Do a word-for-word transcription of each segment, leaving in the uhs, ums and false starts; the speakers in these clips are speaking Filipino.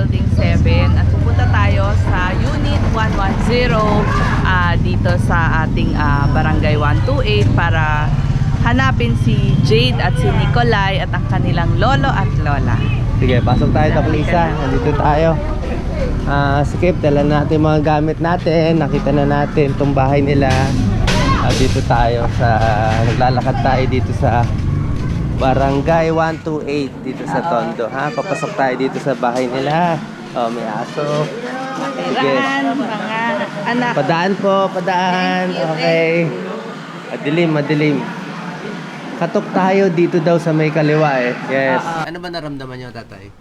Building seven at pupunta tayo sa Unit one ten uh, dito sa ating uh, Barangay one twenty-eight para hanapin si Jade at si Nicolay at ang kanilang lolo at lola. Sige, pasok tayo, Doc Lisa. Nandito tayo. Ah, uh, skip, dala natin mga gamit natin. Nakita na natin itong bahay nila. Uh, dito tayo sa naglalakad tayo dito sa Barangay one twenty-eight dito sa Tondo, ha? Papasok tayo dito sa bahay nila. Oh, may aso. Matirahan, mga anak. Padaan po, padaan. Okay. Madilim, madilim. Katok tayo dito daw sa may kaliwa eh. Yes. Ano ba naramdaman niyo, tatay?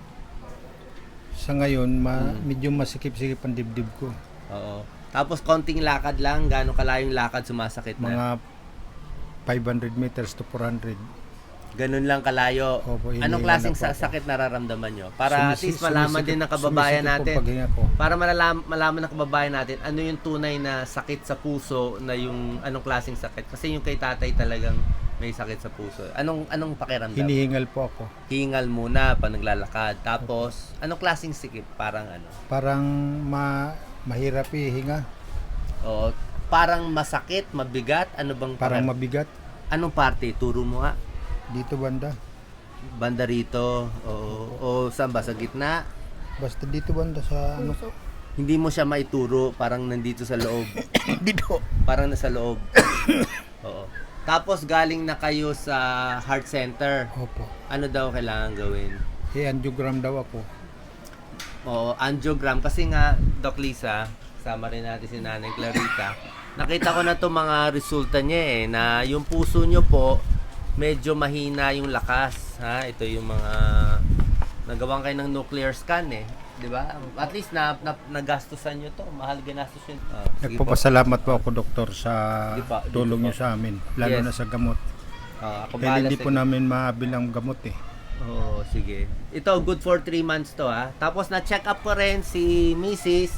Sa ngayon, ma medyo masikip-sikip ang dibdib ko. Oo. Tapos konting lakad lang, gaano kalayong lakad sumasakit na? Mga five hundred meters to four hundred. Ganun lang kalayo. Opo, Anong klaseng sa sakit nararamdaman nyo? Para at least malaman din ng kababayan natin. Para malaman, malaman ng kababayan natin ano yung tunay na sakit sa puso na yung anong klaseng sakit. Kasi yung kay tatay talagang may sakit sa puso. Anong anong pakiramdam? Hinihingal po ako. Hingal muna pa naglalakad. Tapos, anong klaseng sikip? Parang ano? Parang ma mahirap ihinga. O, parang masakit, mabigat. Ano bang Parang pakir- mabigat. Anong parte? Turo mo nga. Dito banda. Banda rito. O, o saan ba? Sa gitna? Basta dito banda sa ano. Hindi mo siya maituro, parang nandito sa loob. Dito. Parang nasa loob. Oo. Tapos galing na kayo sa heart center. Opo. Ano daw kailangan gawin? I-angiogram daw ako. Oo, angiogram. Kasi nga, Doc Lisa, sama rin natin si Nanay Clarita. Nakita ko na to mga resulta niya eh, na yung puso nyo po, medyo mahina yung lakas. Ha? Ito yung mga nagawang kayo ng nuclear scan eh. Di ba? At least na, na nagastusan nyo to. Mahal ginastos yun. Oh, Nagpapasalamat po ako, doktor, sa Sige po, sige tulong po. niyo sa amin. Lalo Yes. na sa gamot. Ah, ako Dahil bahala hindi sa po inyo. namin maabil ang gamot eh. Oo, sige. Ito, good for three months to ha. Tapos na-check up ko rin si Missus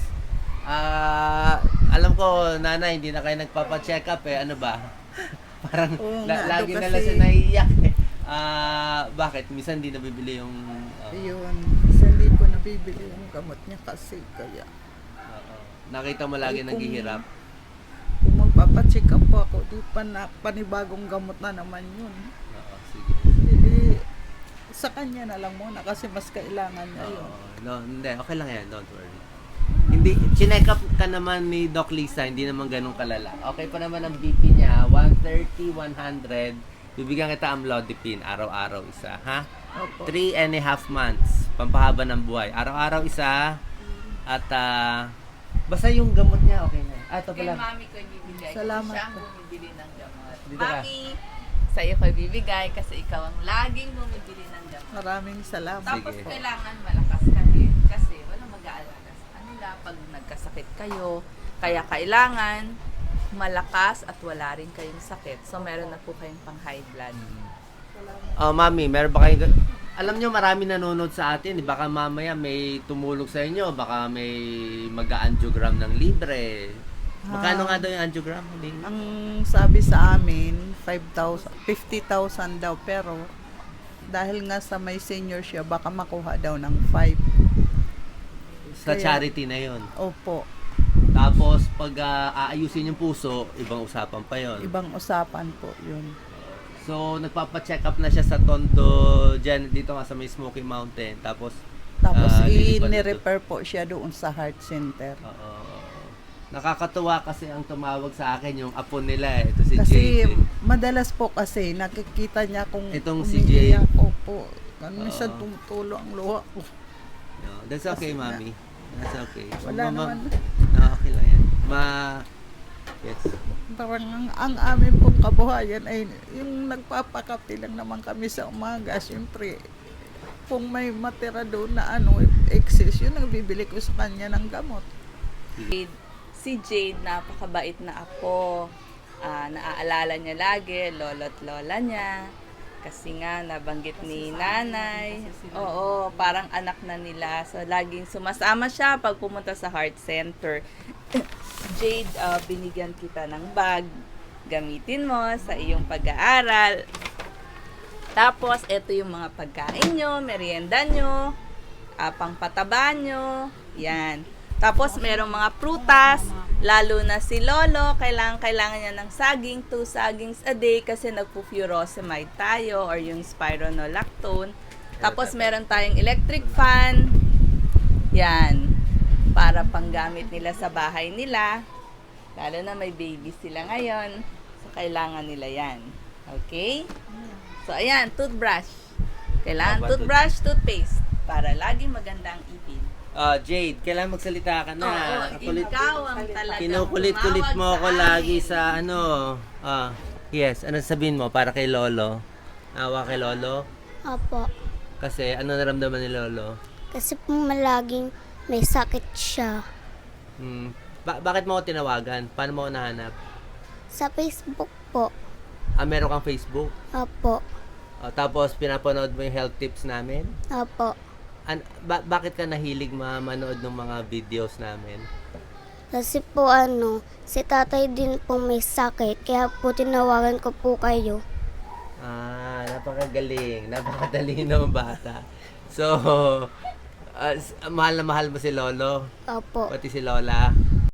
Ah, alam ko, nanay, hindi na kayo nagpapa-check up eh. Ano ba? Parang Oo la- nga, lagi do na lang kasi- siya naiiyak eh. Ah, bakit? Minsan hindi nabibili yung... ah, Ayun, isa hindi ko nabibili yung gamot niya kasi kaya oo. Nakita mo lagi Ay, kung- naghihirap. kung magpapacheck up po ako, di pa na panibagong gamot na naman yun. Oo, sige. Hindi, sa kanya na lang muna kasi mas kailangan niya yun. Oo, no, hindi. Okay lang yan. Don't worry. Hindi, chinek up ka naman ni Doc Lisa, hindi naman ganun kalala. Okay pa naman ang B P niya, one thirty, one hundred. Bibigyan kita amlodipine, araw-araw isa, ha? Opo. Three and a half months, pampahaba ng buhay. Araw-araw isa, at ah, basta yung gamot niya, okay na. Ah, ito Kay pala. mami ko ibibigay. Salamat Siya ang po. bumibili ng gamot. Dito ka. Mami, sa iyo ko ibibigay kasi ikaw ang laging bumibili ng gamot. Maraming salamat. Tapos Sige. kailangan malakas ka rin kasi walang mag-aalala sa kanila pag nagkasakit kayo. Kaya kailangan malakas at wala rin kayong sakit. So meron na po kayong pang high blood. Oh, mami, meron ba kayo... Alam nyo, marami nanonood sa atin. eh. Baka mamaya may tumulog sa inyo. Baka may mag-angiogram ng libre. Magkano Ah. nga daw yung angiogram? Huling? Ang sabi sa amin, five thousand, fifty thousand daw, pero dahil nga sa may senior siya, baka makuha daw ng five. Sa Kaya- charity na yon. Opo, Tapos, pag ah, aayusin yung puso, ibang usapan pa yon. ibang usapan po yun. So, nagpapa-check up na siya sa Tondo, dyan, dito nga sa may Smoky Mountain. Tapos, Tapos ah, lilipad na to. i-refer po siya doon sa heart center. Oo. Nakakatuwa kasi ang tumawag sa akin yung apo nila eh. Ito si Kasi Jade. madalas po kasi nakikita niya kung Itong si umiiyak Jade. ko po. Kan minsan Oo. tumutulo ang luha ko. No, that's okay, Kasi na- mami. That's okay. Wala Ma- ma- naman. No, okay lang yan. Ma... Yes. Parang ang, ang amin pong kabuhayan ay yung nagpapakape lang naman kami sa umaga. Siyempre, kung may matira doon na ano, excess, yun ang bibili ko sa kanya ng gamot. Jade, si Jade, napakabait na apo. Ah, naaalala niya lagi, lolo't lola niya. Kasi nga, nabanggit ni nanay. Oo, parang anak na nila. So, laging sumasama siya pag pumunta sa heart center. Jade, ah, binigyan kita ng bag. Gamitin mo sa iyong pag-aaral. Tapos, ito yung mga pagkain nyo, merienda nyo. ah, pangpataba nyo. Yan. Tapos, merong mga prutas, lalo na si Lolo, kailangan, kailangan niya ng saging, two sagings a day kasi nagpo-furosemide tayo or yung spironolactone. Tapos, meron tayong electric fan. Yan. Para panggamit nila sa bahay nila. Lalo na may baby sila ngayon. So, kailangan nila yan. Okay? So, ayan, toothbrush. Kailangan Tama, toothbrush, toothpaste. Para lagi magandang ipin. Ah, Jade, kailan magsalita ka na? Oo, Kulit, ikaw ang talagang kinukulit-kulit tumawag mo ako sa lagi amin. sa ano. Ah, yes, ano sabihin mo para kay Lolo? Awa kay Lolo? Opo. Kasi ano naramdaman ni Lolo? Kasi po malaging may sakit siya. Hmm. Ba- bakit mo ako tinawagan? Paano mo ako nahanap? Sa Facebook po. Ah, meron kang Facebook? Opo. Ah, tapos pinapanood mo yung health tips namin? Opo. An- ba- bakit ka nahilig ma- manood ng mga videos namin? Kasi po ano, si tatay din po may sakit. Kaya po tinawagan ko po kayo. Ah, napakagaling. Napakatalino ng bata. So, ah, s- mahal na mahal mo si Lolo, Opo. pati si Lola.